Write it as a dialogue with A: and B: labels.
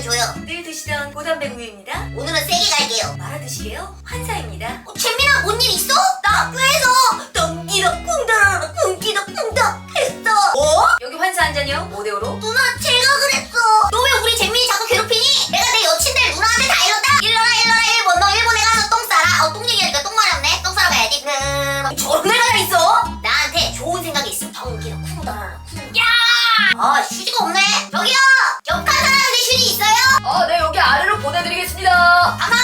A: 면 줘요.
B: 늘 드시던 고단백우유입니다.
A: 오늘은 세게 갈게요.
B: 말아드시게요. 환사입니다.
A: 잼민아 뭔 일 있어? 나 학교에서 덩기덕쿵덕 쿵기덕쿵덕 했어. 뭐?
B: 여기 환사 한 잔이요. 5대5로.
A: 누나 제가 그랬어. 너 왜 우리 잼민이 자꾸 괴롭히니? 내가 내 여친들 누나한테 다 이뤘다. 일러라 일본. 너 일본에 가서 똥 싸라. 똥 얘기하니까 똥 마렵네. 똥 싸러 가야지. 저런 애가 다 있어? 나한테 좋은 생각이 있으면 덩기덕쿵덕 야! 아 휴지가 없네. 저기요. 격한 사람인데 휴지 있어요?
B: 네, 여기 아래로 보내드리겠습니다.
A: 가만